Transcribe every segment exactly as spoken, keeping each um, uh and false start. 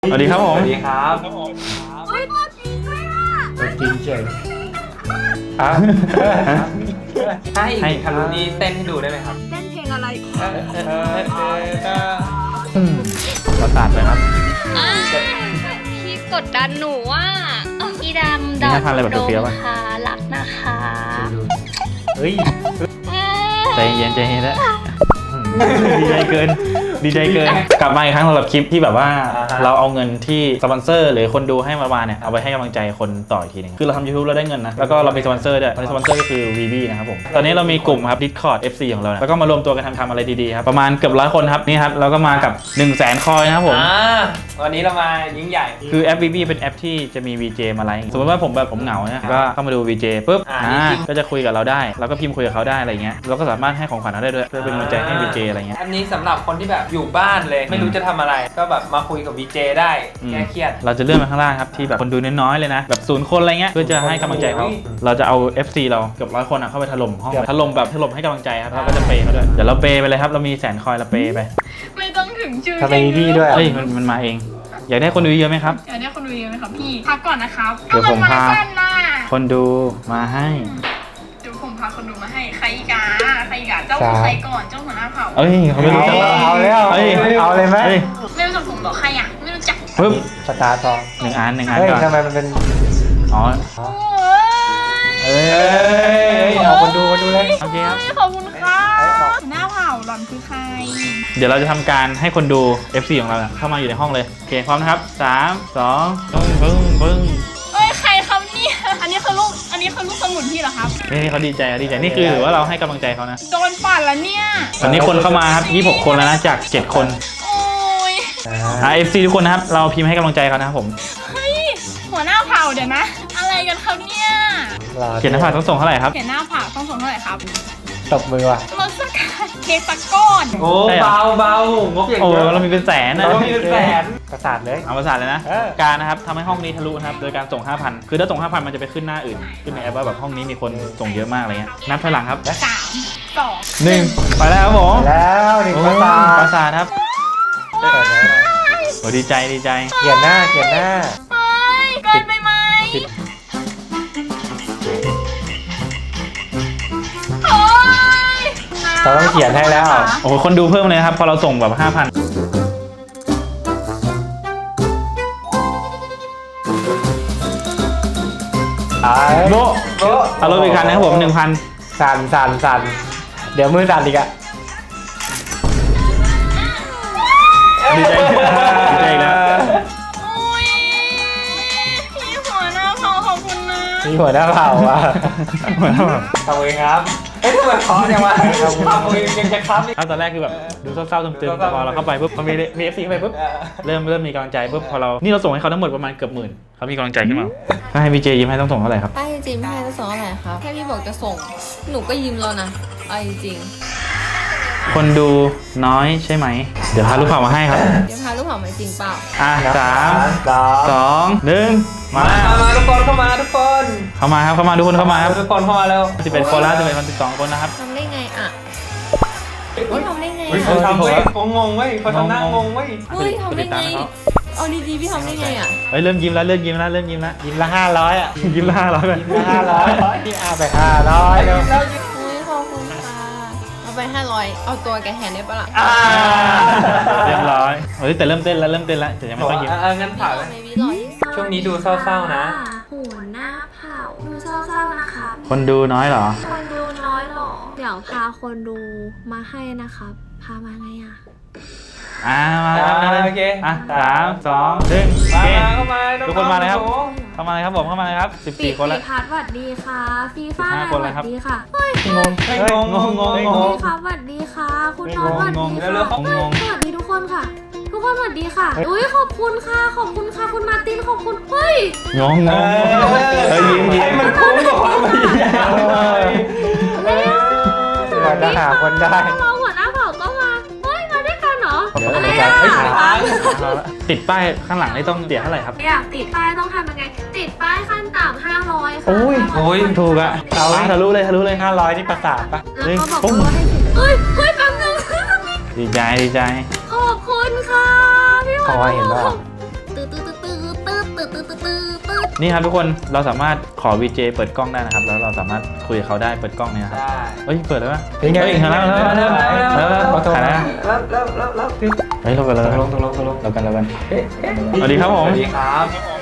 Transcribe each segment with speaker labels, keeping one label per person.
Speaker 1: สวัสดีครับผม
Speaker 2: สวัสดีครับ
Speaker 3: เฮ้ยตัวจริงด้วยอ่ะ
Speaker 2: ตัวจริงเฉยอ่ะให้ให้คารุนี่เต้นให้ดูได้ไหมครับ
Speaker 3: เต้นเพลงอะไร
Speaker 2: เออเออเออเออ
Speaker 1: ประสาทไปครับ
Speaker 3: อ่าพี่กดดันหนูว่าพี่ดำ
Speaker 1: นี่
Speaker 3: ด
Speaker 1: น่าทานอะไรแบบเปรี้ยวๆป่ะ
Speaker 3: ค่ะรักนะคะ
Speaker 2: เฮ้ย
Speaker 1: ใจเย็นใจเย็นแล้วดีใจเกินดีใจเกินกลับมาอีกครั้งสำหรับคลิปที่แบบว่าเราเอาเงินที่สปอนเซอร์หรือคนดูให้มาเนี่ยเอาไปให้กำลังใจคนต่ออีกทีนึงคือเราทำ YouTube เราได้เงินนะแล้วก็เรามีสปอนเซอร์ด้วยตอนนี้สปอนเซอร์ก็คือ วี บี นะครับผมตอนนี้เรามีกลุ่มครับ Discord เอฟ ซี ของเราแล้วก็มารวมตัวกันทำทำอะไรดีๆครับประมาณเกือบร้อยคนครับนี่ครับเราก็มากับ หนึ่งแสน คอยนะครับผม
Speaker 2: อ่าวันนี้เรามายิ่งใหญ่
Speaker 1: คือแอป วี บี เป็นแอปที่จะมี วี เจ มาไลฟ์สมมติว่าผมแบบผมเหงาเนี่ยก็เข้ามาดู วี เจ ปุ๊บ
Speaker 2: อ่า
Speaker 1: อ่า
Speaker 2: จริง
Speaker 1: ก็จะคุยกับเราได้แล้วก็พิมพ์คุยกับเขาได้อะไรเงี้ยเราก็สามารถให้ของขวัญเขาได้ด้วยเพื่อเป็นกำลังใจให้ วี เจ อะไรเงี้ย
Speaker 2: อันนี้สำหรับคนที่แบบอยู่บ้านเลยไม่รู้จะทำอะไร ก็แบบมาคุยกับวีเจได้แก้เครียด
Speaker 1: เราจะเลื่อนไปข้างล่างครับที่แบบคนดูน้อยๆเลยนะแบบศูนย์คนอะไรเงี้ยเพื่อจะให้กำลังใจเขา
Speaker 2: อุ้ย
Speaker 1: เราจะเอา เอฟ ซี เราเกือบร้อยคนอะเข้าไปถล่มห้องถล่มแบบถล่มให้กำลังใจครับเราก็จะเปย์เขาด้วยเดี๋ยวเราเปย์ไปเลยครับเรามีแสนคอยเราเปย์ไป
Speaker 3: ไม่ต้องถึงชื่อ
Speaker 2: ทำไมมีพี่ด้วย
Speaker 1: เฮ้ยมันมันมาเองอยากได้คนดูเยอะไหมครับ
Speaker 3: เดี๋ยวนี้คนดูเยอะไหมครับพี่พักก่อนนะครับ
Speaker 1: เดี๋ยวผมพา
Speaker 3: สั้นน่ะ
Speaker 1: คนดูมาให้
Speaker 3: เดี๋ยวผมพาคนดูมาให้ใครอีกาใครอีกาเจ้าใครก่อนเจ้าหัวหน้าเผ่า
Speaker 1: เอ้ยเขาไม่รู้จัก
Speaker 2: เอาแล้ว
Speaker 1: เฮ้ย
Speaker 2: เอาเลยไหม
Speaker 1: เฮ้ย
Speaker 3: ไม่รู้จักผมบอกใครอ่ะไม่รู้จัก
Speaker 1: ปึ๊บ
Speaker 2: สตาร์ทอง
Speaker 1: หนึ่งอันหนึ่งอัน
Speaker 2: เฮ้ย
Speaker 1: ก่อน
Speaker 2: ทำไมมันเป็น
Speaker 1: อ๋อ
Speaker 3: โอ้ย
Speaker 1: เอ้
Speaker 2: เอ้
Speaker 1: ย
Speaker 2: ยเอาคนดูคนดูเลย
Speaker 1: โอเคครับ
Speaker 3: ขอบคุณครับหัวหน้าเผ่าหล่อนคือใคร
Speaker 1: เดี๋ยวเราจะทำการให้คนดู เอฟ ซี ของเราเนี่ยเข้ามาอยู่ในห้องเลยโอเคพร้อมนะครับสามสองปึ้งปึ้งปึ้ง
Speaker 3: เอ้ยใครครับเนี่ยอันนี้คือลูกอันนี้คือลูกสมุนพี่เหรอครับ
Speaker 1: นี่นี่เขาดีใจเขาดีใจนี่คือถือว่าเราให้กำลังใจเขานะ
Speaker 3: โดนปั่นแล้วเนี่ย
Speaker 1: ตอนนี้คนเข้ามาครับยี่สิบหกคนแล้วนะจากเจ็ดคน
Speaker 3: โอ้ย
Speaker 1: อ่า เอฟ ซี ทุกคนนะครับเราพิมพ์ให้กำลังใจเขานะครับผม
Speaker 3: เฮ้ยหัวหน้าเผ่าเดี๋ยวนะ อะไรกันครับเนี่ย
Speaker 1: เขียนหน้าผากต้องส่งเท่าไหร่ครับ
Speaker 3: เขียนหน้าเผ่าต้องส่งเท่าไหร่ครับ
Speaker 2: ตบมือว่ะ
Speaker 3: รถสกัดเค้กตะก้อน
Speaker 2: โอ้เบาเบางบอย่าง
Speaker 1: โอ้
Speaker 2: เดียว
Speaker 1: เรามีเป็นแสนนะ
Speaker 2: เรามีเป็นแสนประสาทเลย
Speaker 1: เอาประสาทเลยนะ
Speaker 2: เออ
Speaker 1: การนะครับทำให้ห้องนี้ทะลุนะครับโดยการส่ง ห้าพัน คือถ้าส่ง ห้าพัน มันจะไปขึ้นหน้าอื่น ขึ้นในแอปว่าแบบห้องนี้มีคนส่งเยอะมากอะไรเงี้ยนับถอยหลังครับ
Speaker 3: สามสอง
Speaker 1: หนึ่งไปแล้วครับผม
Speaker 2: แล้วหนึ่งประสา
Speaker 1: ประ
Speaker 2: ท
Speaker 1: สาทครับ
Speaker 2: เปิดแล้ว
Speaker 1: โอ้ดีใจดีใจ
Speaker 2: เขียนหน้าเขียนหน้า
Speaker 3: เฮ้ยเกินไปไหมโอ้ย
Speaker 2: เราต้องเขียนให้แล้ว
Speaker 1: โอ้โหคนดูเพิ่มเลยนะครับพอเราส่งแบบ ห้าพัน
Speaker 2: ไอ้
Speaker 1: โบ
Speaker 2: โบ
Speaker 1: เอารถไปอีกคันนะครับผม หนึ่งพัน
Speaker 2: สั่นสั่นสั่นเดี๋ยวมือสั่นอีกอะ
Speaker 1: ดีใจดีใจอีกแล้ว
Speaker 3: โอ้ยพี่หัวหน้าเผ่าขอบคุณนะ
Speaker 2: มีหัวหน้าเผ่าว่ะ
Speaker 1: เหมือนแบบ
Speaker 2: ทำเองครับเฮ้ยทำไมเพราะจังวะทำเองยังจะครับอีก
Speaker 1: เอาตอนแรกคือแบบดูเศร้าๆตึมๆแต่พอเราเข้าไปปุ๊บพอมีมี เอฟ ซี เข้าไปปุ๊บ เริ่มเริ่มมีกำลังใจปุ๊บพอเรา นี่เราส่งให้เขาทั้งหมดประมาณเกือบหมื่นเขามีกำลังใจขึ้นมาถ้าให้พี่เจยิ้มให้ต้องส่งเท่าไหร่ครับ
Speaker 4: ถ้าจริงๆพี่ให้จะส่งเท่าไหร่ครับแค่พี่บอกจะส่ง หนูก็ยิ้มแล้วนะเอาจริง
Speaker 1: คนดูน้อยใช่ไหม เดี๋ยวพาลูกเผ่ามาให้ครับ
Speaker 4: ๆเดี๋ยวพาลูกเผามาจริงเปล่า
Speaker 1: อ่ะสาม
Speaker 2: สอง
Speaker 1: สองหนึ่งมา
Speaker 2: มามาทุกคนเข้ามาทุกคน
Speaker 1: เข้ามาครับเข้ามาทุกคนเข้ามาครับ
Speaker 2: ทุกคนเข้ามาแล้ว
Speaker 1: สิบเอ็ดคนแล้วสิบเอ็ดคนสิบสองคนนะครับ
Speaker 4: ทำได้ไงอ่ะเฮ้ยทำได้ไง
Speaker 2: เฮ้ย
Speaker 4: อ่ะ
Speaker 2: เขาทำเว้ยเขางงเว้ยเขาทำหน้างงเว้ย
Speaker 4: เฮ้ยทำได้ไงเอาดีๆพี่ทำได้ไงอ่ะ
Speaker 1: เฮ้ยเริ่มยิ้มแล้วเริ่มยิ้มแล้วเริ่มยิ้มแล้ว
Speaker 2: ยิ้มละห้าร้อยอ่ะ
Speaker 1: ยิ้มละห้าร้อยไป
Speaker 2: ยิ้มละห้าร้อยพี่อาไปห้าร้อยแล้ว
Speaker 4: เฮ้ยขอบคุณค่ะเอาไปห้าร้อยเอาตัวแกแทนได้ปะล่ะ
Speaker 2: อ่า
Speaker 1: เรียบร้อยเฮ้ยแต่เริ่มเต้นแล้วเริ่มเต้นแล้วแต่ยังไม่ค่อยยิ้ม
Speaker 2: อ่างั้น
Speaker 4: พี่
Speaker 2: ผ่าน
Speaker 4: หล่อไหมพี่หล่อที่สุด
Speaker 2: ช่วงนี้ดูเศร้าๆนะ
Speaker 5: หัวหน้าเผ่าดูเศร้าๆนะคะ
Speaker 1: คนดูน้อยเหรอ
Speaker 5: คนดูน้อยหรอ เดี๋ยวพาคนดูมาให้นะครับ พามาไงอ่ะ
Speaker 1: อ่ามาครับ
Speaker 2: อ่าโอเค
Speaker 1: อ่ะสามสองหนึ่งโอ
Speaker 2: มา
Speaker 1: เค
Speaker 2: มาเข้ามา
Speaker 1: ทุกคนมาเลยครับ
Speaker 2: อง
Speaker 1: เข้ามาเลยครับผมเข้ามาเลยครับสิบ
Speaker 5: ปี
Speaker 1: สี่คนแล้ว
Speaker 5: ปีพัดสวัสดีค่ะ ฟีฟ้า
Speaker 1: สิบห้า
Speaker 5: ส
Speaker 1: คนแล้
Speaker 5: วั
Speaker 1: วครับ
Speaker 5: สดีค่ะ เฮ้ย
Speaker 1: งง
Speaker 2: เฮ้ย
Speaker 1: เฮ้ย
Speaker 2: งง
Speaker 1: งงงง
Speaker 2: เฮ้ย
Speaker 1: งง
Speaker 5: พี่ครับสวัสดีค่ะ คุณน้อง
Speaker 1: งง
Speaker 5: สวัสดี
Speaker 1: งง
Speaker 5: ค่ะ
Speaker 2: เร็วๆ
Speaker 5: เฮ้ย
Speaker 1: งง
Speaker 5: สวัสดีทุกคนค่ะ ทุกคนสวัสดีค่ะ อุ้ยขอบคุณค่ะ ขอบคุณค่ะ คุณมาร์ติน ขอบคุณ เฮ้ย
Speaker 1: งงง
Speaker 2: เอง อ
Speaker 1: เฮ้ยยิ้มยิ้ม
Speaker 2: ให้มันคุ้มกับความพยายามหน่อย
Speaker 5: เร็ว
Speaker 2: เราจะหาคนได้
Speaker 5: มองหัวหน้าเผ่าก็มา เฮ้ย มาด้วยกันเหรอ
Speaker 1: เดี๋ยว
Speaker 5: อะไร
Speaker 1: เดี๋ยว
Speaker 5: อ่ะ
Speaker 1: เฮ้ย
Speaker 2: ค้าง
Speaker 1: ติดป้ายข้างหลังนี่ต้องเสียเท่าไหร่ครับ
Speaker 5: อยากติดป้ายต้องทำยังไง ติดป้ายขั้นต่ำห้าร้อยค่ะ
Speaker 1: โอ้ย
Speaker 2: โอ้ย
Speaker 1: ถูกอะเอาทะลุเลยทะลุเลย
Speaker 2: ห้าร้อยที่ประสาทปะ
Speaker 5: แล้วก็บอกว่าให้ติดเฮ้ย เฮ้ยแป๊บนึง
Speaker 1: ดีใจดีใจ
Speaker 5: ขอบคุณค่ะพี่ห
Speaker 2: คอยเห็นป่ะ
Speaker 5: ตื่ตืดตืดตืดตืดตืดตืดตืด
Speaker 1: นี่ครับทุกคนเราสามารถขอ วี เจ เปิดกล้องได้นะครับแล้วเราสามารถคุยกับเขาได้เปิดกล้องเนี่ยนะครับ
Speaker 2: ได้
Speaker 1: เฮ้ยเปิดแล้วปะ
Speaker 6: เป็นไง
Speaker 1: เฮ้ยเห็นแล้วแล้วแล้วแล้วแล้วถ่ายแล้ว
Speaker 2: แล้วแล้วแล้วแล้ว
Speaker 1: เฮ้ยเรากันเรา
Speaker 6: ต
Speaker 1: กัน
Speaker 6: กลงตกลงตกลง
Speaker 1: เรากันเรากันสวัสดีครับผม
Speaker 2: สวัสดีครับ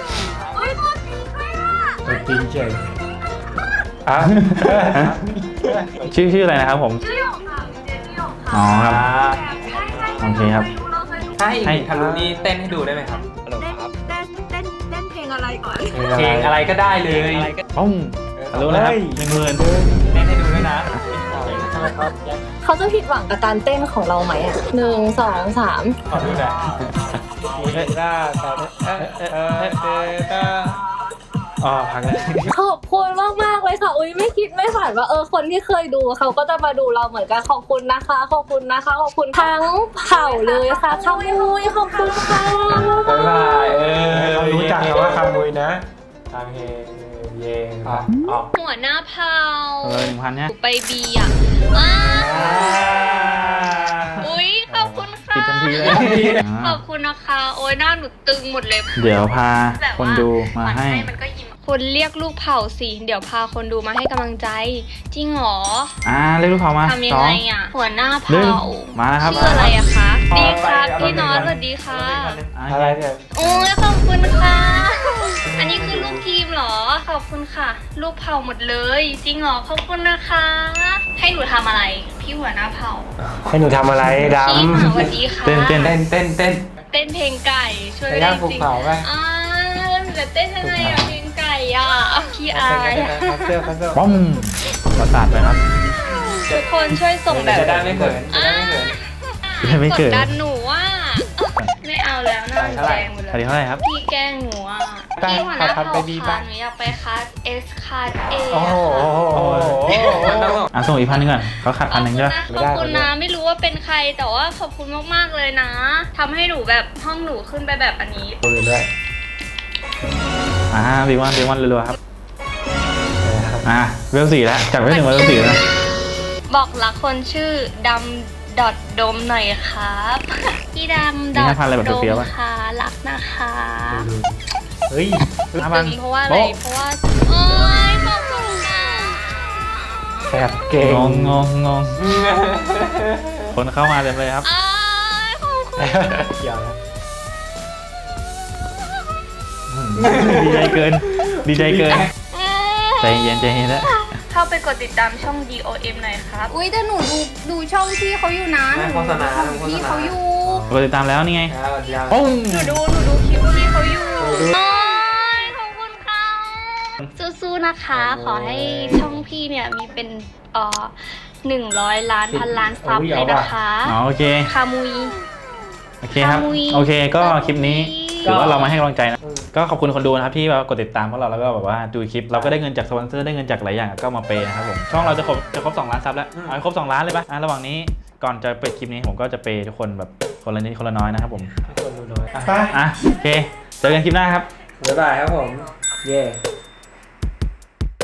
Speaker 6: ตัวจริงเฉยอ่ะ
Speaker 1: ชื่อชื่ออะไรนะครับผม
Speaker 5: ชื่อหยกค่ะเจนี่หยกค่ะ
Speaker 1: อ๋อครับ
Speaker 5: ใช่ใช่
Speaker 1: โอเคครับ
Speaker 5: เราเคยดู
Speaker 2: ถ้าให้อีกทารุณีเต้นให้ดูได้ไหมครับฮัลโหลครับ
Speaker 5: เต้นเต้นเต้นเพลงอะไรก่อน
Speaker 2: เพลงอะไรก็ได้เลย
Speaker 1: ปุ้งรู้แล้วครับหนึ่งหมื่น
Speaker 2: เต้นให้ดูด้วยนะ
Speaker 4: เขาจะผิดหวังกับการเต้นของเราไหมอ่ะหนึ่งสองสาม
Speaker 6: ขอดูหน่อยมีหน้าตาเอ๊ะเอ๊ะเอ๊ะเอ๊ะเอ๊ะ
Speaker 1: อ๋อพักแล้ว
Speaker 4: ขอบคุณมากมากๆเลยค่ะอุ้ยไม่คิดไม่ฝันว่าเออคนที่เคยดูเขาก็จะมาดูเราเหมือนกันขอบคุณนะคะ ขอบคุณนะคะขอบคุณทั้งเผ่าเลยค่ะขมุยขอบคุณค่ะ
Speaker 2: บ๊ายบายเออ
Speaker 6: เขารู้จักคำว่าคำมุยนะทางเฮเยง
Speaker 2: อ๋ออ๋อ
Speaker 5: หัวหน้าเผา
Speaker 1: เลยหนึ่งพันเนี่ย
Speaker 5: ไปบีอ่ะว้าอุ้ยขอบคุณค่ะ
Speaker 1: ปิดทันทีเลย
Speaker 5: ขอบคุณนะคะ โอ้ยหน้าหนูตึงหมดเลย
Speaker 1: เดี๋ยวพาคนดูมาให้
Speaker 5: มันก็ยิ้มคนเรียกลูกเผาสิ เดี๋ยวพาคนดูมาให้กำลังใจ จริงเหรอ
Speaker 1: อ่าเรียกลูกเขามา
Speaker 5: ทำยั
Speaker 1: ส
Speaker 5: ง
Speaker 1: อง
Speaker 5: ไงอ่ะ หัวหน้า
Speaker 1: หนึ่ง
Speaker 5: เผา
Speaker 1: มาแล้วครับ
Speaker 5: ชื่ออะไรอะคะ ดีครับพี่น็อตสวัสดีค่ะ
Speaker 6: อะไรเนี่ย
Speaker 5: โอ้ยขอบคุณค่ะ อันนี้คือลูกทีมเหรอ ขอบคุณค่ะ ลูกเผาหมดเลย จริงเหรอ ขอบคุณนะคะ ให้หนูทำอะไร พี่หัวหน้าเผา
Speaker 6: ให้หนูทำอะไรด
Speaker 5: พี่หมาสวัสดีค่ะ
Speaker 1: เต้นเต้น
Speaker 2: เต้นเต้นเต้น
Speaker 5: เต้นเพลงไก่ ช่วย
Speaker 6: ำไป
Speaker 5: ไม่
Speaker 6: ย่า
Speaker 5: ได้
Speaker 6: งภู
Speaker 5: จริง
Speaker 6: เขาไป
Speaker 5: อ่าหนูจะเต้นยังไงอะเพลงไก่อะพี่อายอะ
Speaker 6: คัสเซิลคัสเซิล
Speaker 1: ป้อมประสาทไปครับ
Speaker 5: ทุกคนช่วยส่งแบบ
Speaker 2: จะได้ไม่เขินจะได้ไม่เขิน
Speaker 1: จะไม่เกิด
Speaker 5: กดดันหนูว่าไม่เอาแล้วหน้าหนูแดงหมด
Speaker 1: สวัสดี
Speaker 5: แล้ว
Speaker 1: เท่าไหร่ครับ
Speaker 5: พี่แกล้งหนูอ่ะพี่หัวหน้าเผ่าค่ะหนูอยากไปคัส S คัส A
Speaker 6: โอ้โห
Speaker 1: อ่ะส่งอีกพันหนึ่งก่อนเขาขาด
Speaker 5: ข
Speaker 1: พั
Speaker 5: อน บ
Speaker 1: หนึ่ง
Speaker 5: คุณ
Speaker 1: ใช่
Speaker 5: นะ
Speaker 1: ปะ
Speaker 5: ขอบคุณนะไม่รู้ว่าเป็นใครแต่ว่าขอบคุณมากๆเลยนะทำให้หนูแบบห้องหนูขึ้นไปแบบอันนี้
Speaker 6: ตัวอื่นด้วย
Speaker 1: อ่าบีวันบีวันรัวๆครับอ่าเวลสี่แล้วจากเวลหนึ่งมาเวลสี่แล้วนะ
Speaker 5: บอกรักคนชื่อดำดอดดมหน่อยครับ พี่ดำดอดดมค่ะรักนะคะ
Speaker 6: เฮ้ย
Speaker 1: ห้าพัน
Speaker 5: เพราะว่าอะไร
Speaker 1: โบ๊ะ
Speaker 5: เพราะว่าโอ๊ยขอบคุณค่ะ
Speaker 6: แอบเก่ง
Speaker 1: งงงงงงคนเข้ามาเต็มเลยครับ
Speaker 5: อ้ายขอบคุณ
Speaker 6: เกี่ยวแล้ว
Speaker 1: ดีใจเกิน ดีใจเกิน ใจเย็นใจเย็นแล้ว
Speaker 5: เข้าไปกดติดตามช่อง ดี โอ เอ็ม หน่อยครับ อุ้ยแต่หนูดูดูช่องพี่เขาอยู่นะหนู
Speaker 2: โฆษณา
Speaker 5: ดูช่องพี่เขาอยู่
Speaker 1: กดติดตามแล้วนี่ไง
Speaker 2: แล้วยาว
Speaker 1: ปุ้ง
Speaker 5: หนูดูหนูดูคลิปพี่เขาอยู่โอ้ยขอบคุณค่ะสู้ๆนะคะ ขอให้ช่องพี่เนี่ยมีเป็นเอ่อหนึ่งร้อยล้านพันล้านซับเลยนะคะ
Speaker 1: อ๋อโอเค
Speaker 5: คามุย
Speaker 1: โอเคครับ
Speaker 5: คามุย
Speaker 1: โอเคก็คลิปนี้
Speaker 5: คามุย
Speaker 1: ถือว่าเรามาให้กำลังใจนะ ก็ขอบคุณคนดูนะครับที่มากดติดตามพวกเราแล้วก็แบบว่าดูคลิป เราก็ได้เงินจากสปอนเซอร์ได้เงินจากหลายอย่างก็มาเปย์นะครับผม ช่องเราจะครบจะครบสองล้านซับแล้ว เอาให้ครบสองล้านเลยปะอ่ะระหว่างนี้ก่อนจะปิดคลิปนี้ผมก็จะเปย์ทุกคนแบบคนละนิดคนละน้อยนะครับผม
Speaker 6: คนดูน้อยไป
Speaker 1: อ่ะโอเค เจอกันคลิปหน้าครับ
Speaker 6: บ๊ายบายครับผม เย่